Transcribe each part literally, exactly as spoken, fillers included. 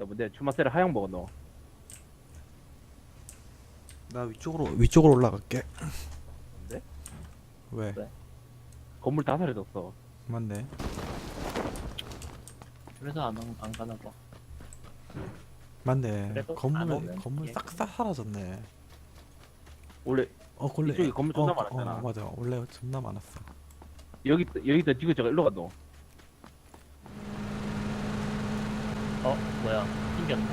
내 주마세를 하향 먹어 너. 나 위쪽으로 위쪽으로 올라갈게. 네? 왜? 왜? 건물 다 사라졌어. 맞네. 그래서 안, 안, 안 가나 봐. 맞네. 그래도 안 건물 오면 건물 예. 싹 다 사라졌네. 원래 어 원래 이쪽에 건물 존나 어, 많았잖아. 어, 맞아. 원래 존나 많았어. 여기 여기다 지금 저가 일로 가 너. 어? 뭐야? 튕겼나?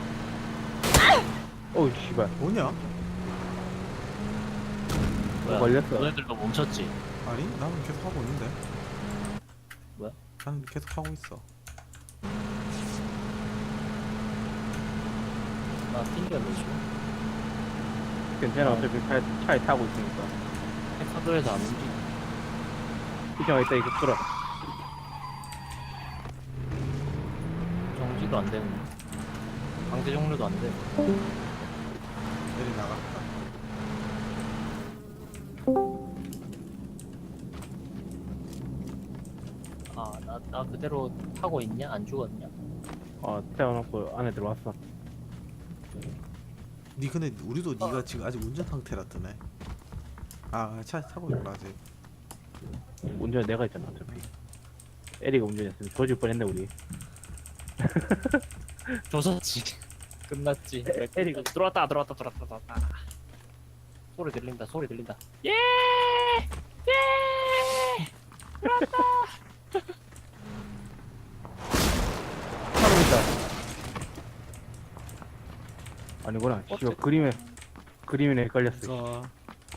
어우 씨발. 뭐냐? 뭐야? 걸렸어. 너네들도 멈췄지? 아니 나는 계속 하고 있는데. 뭐야? 나는 계속 하고 있어. 나 튕겼네 지금. 괜찮아. 어차피 차에, 차에 타고 있으니까. 사도에서 안 움직여. 이정아 이따 이거 끌어. 정지도 안 되는. 강제 종료도 안 돼. 내리 나갔다. 아, 나, 나 그대로 타고 있냐? 안 죽었냐? 어 태워놓고 안에 들어왔어. 니 근데 우리도 니가 지금 아직 운전 상태라 뜨네. 아 차 타고 있구나 아직. 운전 내가 했잖아 어차피. 에리가 운전했으면 조질 뻔했네 우리. 조졌지. 끝났지. 에, 에리가 들어왔다, 들어왔다, 들어왔다, 들어왔다. 소리 들린다, 소리 들린다. 예! 예! 사람 있다. 아니구나. 어째- 씨발 그림에 그림에 헷갈렸어. 그러니까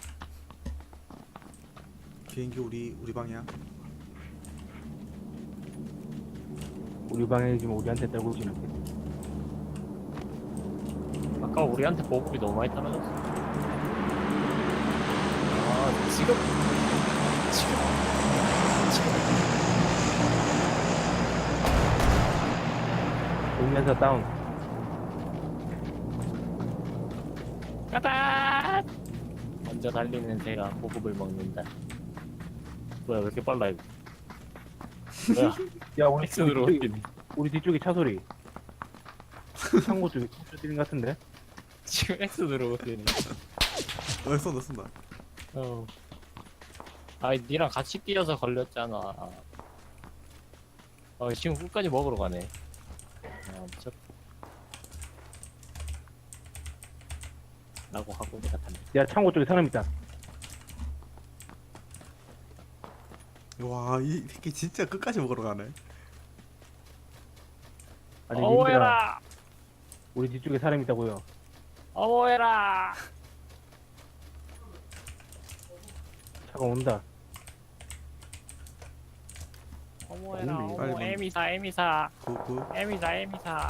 비행기 우리 우리 방향. 우리 방에 지금 우리한테 떨고 있진 않겠지. 아까 우리한테 보급이 너무 많이 떨어졌어. 아, 지금. 지금. 동면서 다운. 가다! 먼저 달리는 새가 보급을 먹는다. 뭐야, 왜 이렇게 빨라, 이거. 뭐야, 야 우리 액션으로 뒤쪽에, 옮기네. 우리 뒤쪽에 차 소리. 창고 쪽에 차 소리 것 같은데. 지금 액션으로 옮기네. 어 쏜다 쏜다. 어. 아이, 니랑 같이 뛰어서 걸렸잖아. 어, 지금 끝까지 먹으러 가네. 아, 미쳤. 라고 하고 내가 탔네. 야 창고 쪽에 사람 있다. 와이 새끼 진짜 끝까지 먹으러 가네. 아니 님들아 어워해라! 우리 뒤쪽에 사람 있다고요. 어워해라! 차가 온다. 어머해라, 빨리 어머, 빨리 에미사, 에미사, 구구. 에미사, 에미사.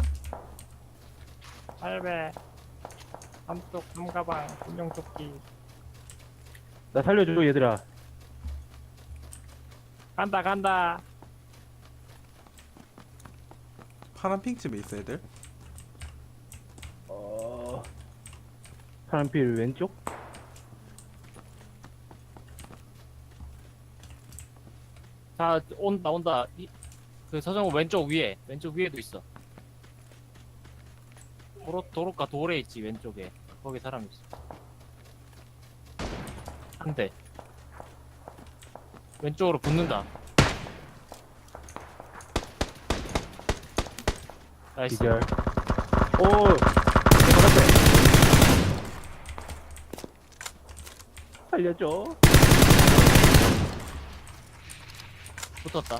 팔배, 삼뚝, 삼가방, 군용조끼. 나 살려줘 얘들아. 간다, 간다. 파란 핑집에 있어 애들. 어 사람 필 왼쪽? 자, 온다, 온다. 이, 그 서정우 왼쪽 위에, 왼쪽 위에도 있어. 도로, 도로가 돌에 있지, 왼쪽에. 거기 사람 있어. 한 대. 왼쪽으로 붙는다. 나이스. 기절. 오 내가 봤대. 살려줘. 붙었다.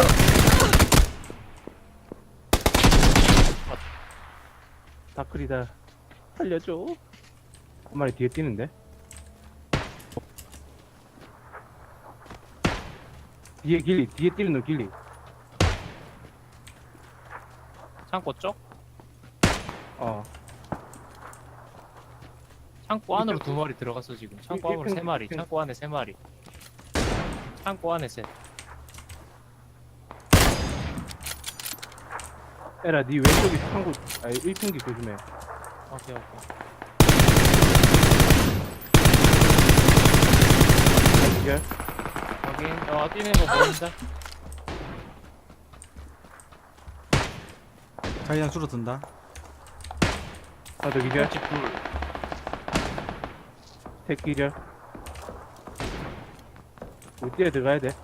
다크리다. 살려줘. 한 마리 뒤에 뛰는데? 뒤에 길리, 뒤에 뛰는 놈 길리. 창고 쪽? 어. 창고 안으로 두 마리 들어갔어 지금. 창고 안으로 세 마리. 창고 안에 세 마리. 창고 안에 셋. 에라, 니 왼쪽에 창고, 아니, 일 평기 조심해. 오케이 오케이. 기절. 확인. 어 뛰는 거 보인다. 자기장 줄어든다. 하나 더 기절. 집 둘. 셋 기절. 우리 뛰어 들어가야 돼.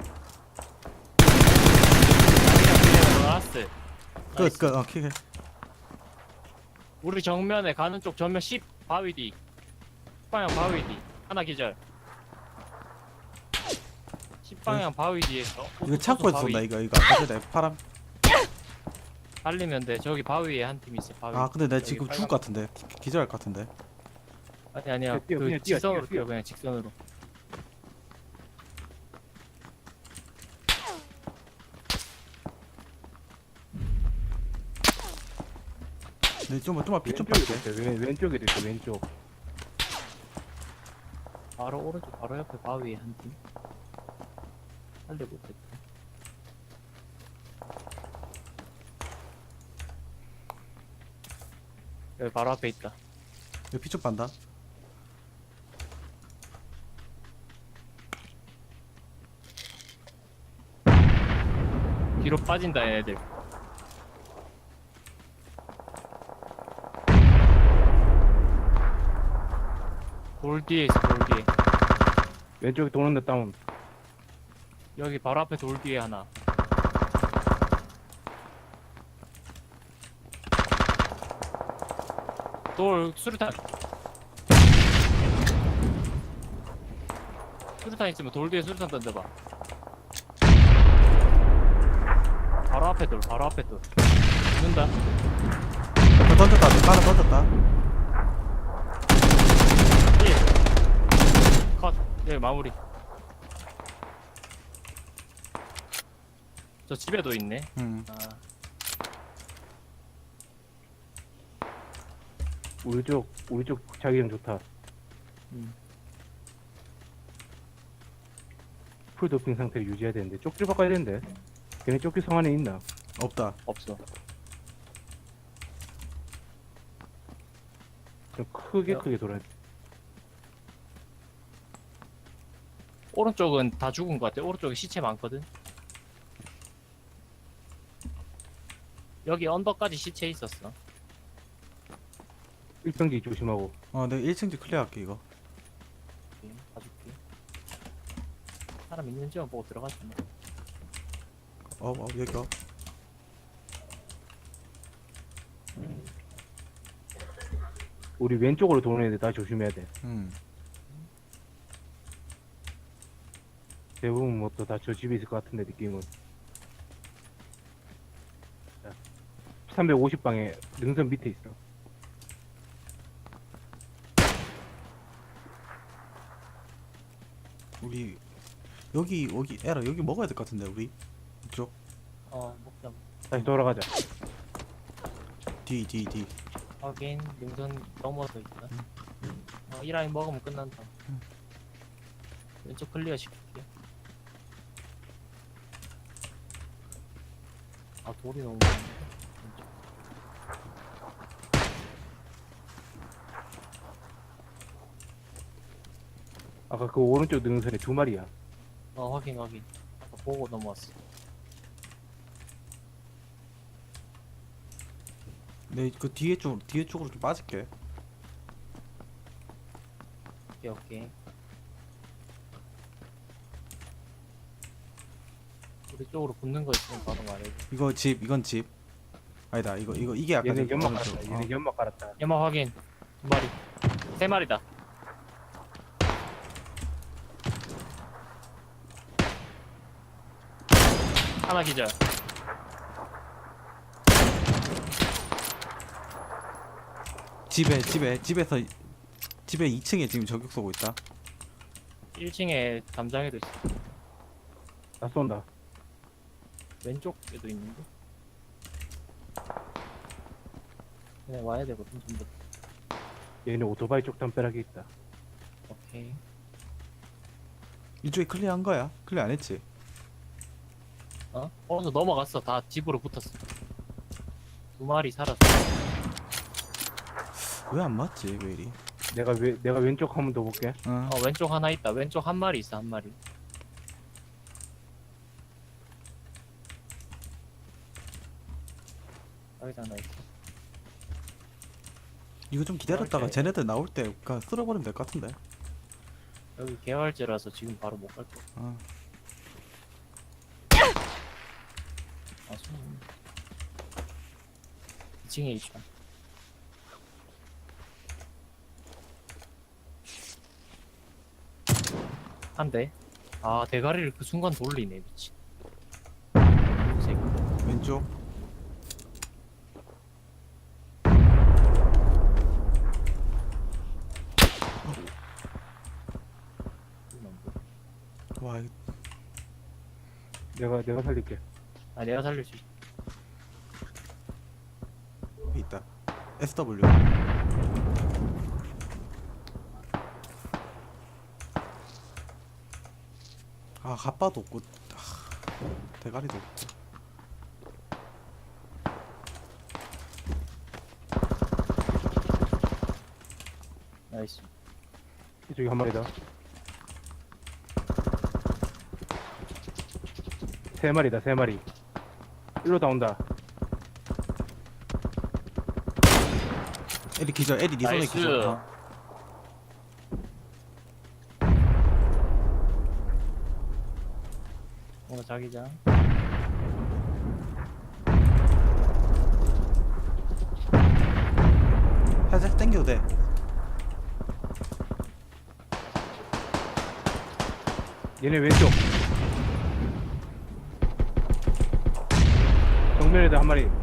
라스. 끝, 끝, 어, 킥해. 우리 정면에 가는 쪽 전면 십 바위 뒤. 십 방향 바위 뒤. 하나 기절. 십 방향 바위 뒤에서. 이거 창고에서 바위. 쏜다, 이거, 이거. 아까 전에 파람. 달리면 돼. 저기 바위에 한 팀 있어. 바위. 아, 근데 나 여기 지금 빨간 죽을 것 같은데. 기- 기절할 것 같은데. 아니 아니야. 뛰어, 그 그냥 뛰어, 직선으로 뛰어, 뛰어, 뛰어. 그냥 직선으로. 네, 좀, 좀만 피좀 왼쪽에도 빨게. 있어. 왼, 왼쪽에도 있어. 왼쪽. 바로 오른쪽 바로 옆에 바위에 한 팀. 살려 못했다. 여기 바로 앞에 있다. 여기 피좀 빤다. 뒤로 빠진다 얘네들. 돌 뒤에 있어 돌 뒤에. 왼쪽에 도는 데 다운. 여기 바로 앞에 돌 뒤에 하나. 돌 수류탄. 수류탄 있으면 돌 뒤에 수류탄 던져봐. 바로 앞에 돌 바로 앞에 돌. 죽는다. 그 던졌다, 너 하나 던졌다. 일. 컷. 여기 마무리. 저 집에도 있네. 응. 아, 우리 쪽, 우리 쪽 자기장 좋다. 음. 풀 도핑 상태를 유지해야 되는데 쪽지 바꿔야 되는데. 걔네 쪽지 성 안에 있나? 없다. 없어. 좀 크게 야. 크게 돌아야 돼. 오른쪽은 다 죽은 것 같아. 오른쪽에 시체 많거든. 여기 언덕까지 시체 있었어. 일평지 조심하고. 어, 내가 일 층지 클리어할게, 이거. 오케이, 봐줄게. 사람 있는지만 보고 들어가지 뭐. 어, 어, 여기 어. 우리 왼쪽으로 도는 애들 다 조심해야 돼. 응. 대부분 뭐 또 다 저 집에 있을 것 같은데 느낌은. 자, 삼백오십 방에 능선 밑에 있어. 우리, 여기, 여기, 에라, 여기 먹어야 될 것 같은데, 우리. 이쪽. 어, 먹자. 다시 돌아가자. 뒤, 뒤, 뒤. 하긴 능선 넘어서 있다. 어, 이 라인 먹으면 끝난다. 음. 왼쪽 클리어 시킬게. 아 돌이 너무 많은데. 왼쪽. 아까 그 오른쪽 능선에 두 마리야. 어 확인 확인. 아까 보고 넘어왔어. 내 그 뒤에 쪽, 뒤에 쪽으로 좀 빠질게. 오케이 오케이. 우리 쪽으로 붙는 거 있으면 바로 말해줘. 이거 집, 이건 집. 아니다, 이거, 이거, 이게 아까 얘네 전- 연막 오른쪽. 깔았다. 어. 얘네 연막 깔았다. 연마 확인. 두 마리. 세 마리다. 하나 기절. 집에, 집에, 집에서, 집에 이 층에 지금 저격 쏘고 있다. 일 층에 담장에도 있어. 나 쏜다. 왼쪽에도 있는데. 그냥 와야 되거든 전부. 얘네 오토바이 쪽 담벼락에 있다. 오케이. 이쪽에 클리어한 거야? 클리어 안 했지? 어? 어느 넘어갔어. 다 집으로 붙었어. 두 마리 살았어. 왜 안 맞지, 왜 이리? 내가 왜 내가 왼쪽 한 번 더 볼게. 어. 어 왼쪽 하나 있다. 왼쪽 한 마리 있어 한 마리. 여기다 하나 있어. 이거 좀 기다렸다가 오케이. 쟤네들 나올 때 그냥 쓸어버리면 될 것 같은데. 여기 개활제라서 지금 바로 못 갈 거. 아, 아, 손. 이 층에 있다. 한 대. 아, 대가리를 그 순간 돌리네, 미친. 이 새끼. 왼쪽. 와, 이거 내가 내가 살릴게. 아, 내가 살릴 수 있어. 여기 있다. 에스더블유. 아, 갓바도 없고, 아, 대가리도 없고. 나이스. 이쪽에 한 마리다. 세 마리다, 세 마리. 일로 다 온다. 에리 기절, 에리 니 손에 나이스. 기절. 어. 뭔가 자기장. 살짝 땡겨도 돼. 얘네 왼쪽. 정면에다 한 마리.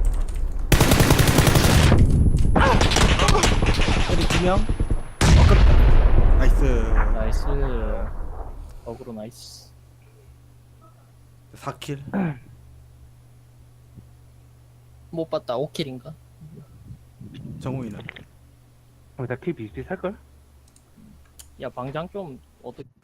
에리 두 명. 어, 끌었다. 나이스. 나이스. 어그로 나이스. 사 킬. 못 봤다. 오 킬인가? 정우이는. 어, 다키 비슷비 살걸? 야, 방장 좀 어떻게